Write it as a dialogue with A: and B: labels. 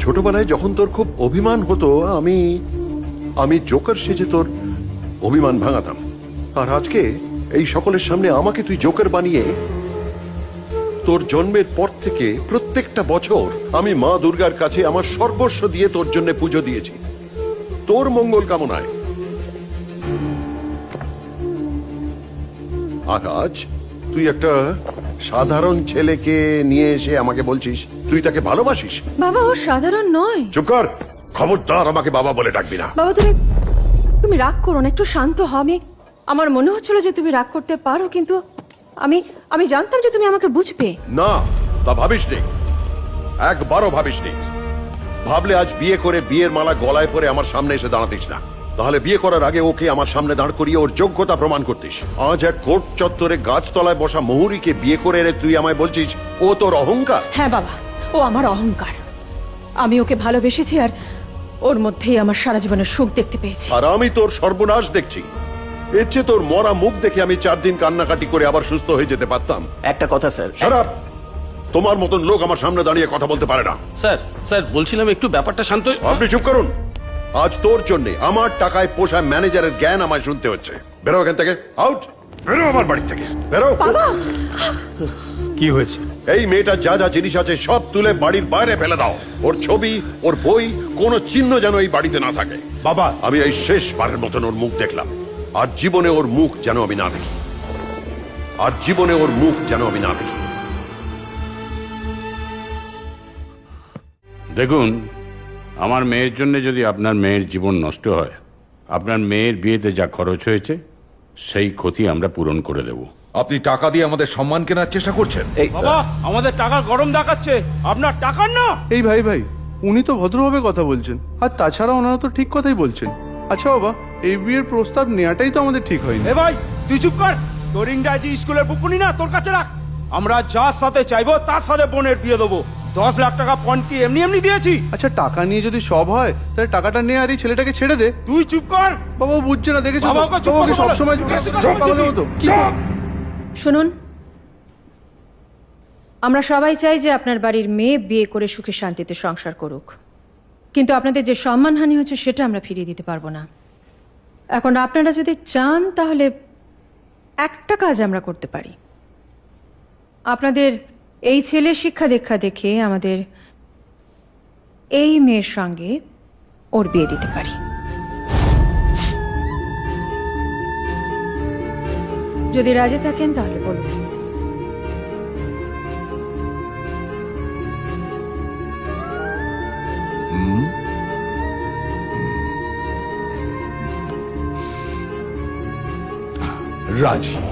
A: ছোটবেলায় যখন তোর খুব অভিমান হতো আমি আমি জোকার সেজে তোর অভিমান ভাঙাতাম। আর আজকে এই সকলের সামনে আমাকে তুই জোকার বানিয়ে তোর জন্মের পর থেকে প্রত্যেকটা বছর আমি মা দুর্গার কাছে আমার সর্বস্ব দিয়ে তোর জন্য পুজো দিয়েছি, তোর মঙ্গল কামনায়। আর আজ তুই একটা সাধারণ ছেলেকে নিয়ে এসে আমাকে বলছিস তুই তাকে ভালোবাসিস।
B: বাবা ও সাধারণ নয়।
A: চুপ কর, খবরদার আমাকে বাবা বলে ডাকবি না।
B: বাবা তুমি রাগ করো না, একটু শান্ত হও। আমার মনে হচ্ছিল যে তুমি রাগ করতে পারো, কিন্তু আমি জানতাম যে তুমি আমাকে বুঝবে।
A: না, তা ভাবিসনি, একবারও ভাবিসনি। ভাবলে আজ বিয়ে করে বিয়ের মালা গলায় পরে আমার সামনে এসে দাঁড়াতিস না, তাহলে বিয়ে করার আগে ওকে আমার সামনে দাঁড় করিয়ে ওর যোগ্যতা প্রমাণ করতিস। আজ এক কোর্ট চত্বরে গাছতলায় বসা মহুরীকে বিয়ে করে এনে তুই আমায় বলছিস ও তোর অহংকার।
B: হ্যাঁ বাবা, ও আমার অহংকার। আমি ওকে ভালোবেসেছি আর ওর মধ্যেই আমার সারা জীবনের সুখ দেখতে পেয়েছি।
A: আর আমি তোর সর্বনাশ দেখছি। এর চেয়ে তোর মরা মুখ দেখে আমি 4 দিন কান্নাকাটি করে আবার সুস্থ হয়ে যেতে পারতাম।
C: একটা কথা স্যার।
A: শাট, তোমার মতন লোক আমার সামনে দাঁড়িয়ে কথা বলতে পারে না।
C: স্যার স্যার বলছিলাম একটু ব্যাপারটা শান্ত।
A: আপনি চুপ করুন। আজ তোর জন্য আমার টাকায় পোষা ম্যানেজারের জ্ঞান আমায় শুনতে হচ্ছে। বেরো এখান থেকে, আউট, বেরো আমার বাড়ি থেকে, বেরো।
D: কি হয়েছে?
A: এই মেয়েটার যা যা জিনিস আছে সব তুলে বাড়ির বাইরে ফেলে দাও। ওর ছবি, ওর বই, কোনো চিহ্ন যেন এই বাড়িতে না থাকে।
D: বাবা,
A: আমি এই শেষবারের মতন ওর মুখ দেখলাম, আর জীবনে ওর মুখ যেন আমি না দেখি, আর জীবনে ওর মুখ যেন আমি না দেখি।
E: দেখুন, আমার মেয়ের জন্য যদি আপনার মেয়ের জীবন নষ্ট হয়, আপনার মেয়ের বিয়েতে যা খরচ হয়েছে সেই ক্ষতি আমরা পূরণ করে দেব।
F: আপনি টাকা দিয়ে আমাদের সম্মান কেনার চেষ্টা করছেন?
D: বাবা আমাদের টাকা গরম দেখাচ্ছে, আপনার টাকার না।
G: এই ভাই উনি তো ভদ্রভাবে কথা বলছেন, আর তাছাড়া ওনারা তো ঠিক কথাই বলছেন। আচ্ছা বাবা, এই বিয়ের প্রস্তাব নেওয়াটাই তো আমাদের ঠিক হয়নি।
D: এ ভাই তুই চুপ কর, তোর ইংরাজি স্কুলের বুকুনি না তোর কাছে রাখ। আমরা যার সাথে চাইবো তার সাথে বোনের বিয়ে দেবো। 10 লাখ টাকা পণ কি এমনি এমনি দিয়েছি?
G: আচ্ছা টাকা নিয়ে যদি সব হয় তাহলে টাকাটা নিয়ে আর এই ছেলেটাকে ছেড়ে দে।
D: তুই চুপ কর।
G: বাবা বুঝছে না, দেখেছো তো?
D: বাবাকে চুপ
G: বাবাকে
D: করতে বলো।
G: সবসময়
D: চুপ
G: পাগলের মতো কি?
B: শুনুন, আমরা সবাই চাই যে আপনার বাড়ির মেয়ে বিয়ে করে সুখে শান্তিতে সংসার করুক, কিন্তু আপনাদের যে সম্মানহানি হচ্ছে সেটা আমরা ফিরিয়ে দিতে পারবো না। এখন আপনারা যদি চান তাহলে একটা কাজ আমরা করতে পারি। আপনাদের এই ছেলের শিক্ষা দীক্ষা দেখে আমাদের এই মেয়ের সঙ্গে ওর বিয়ে দিতে পারি। যদি রাজি থাকেন তাহলে বলুন।
F: রাজি।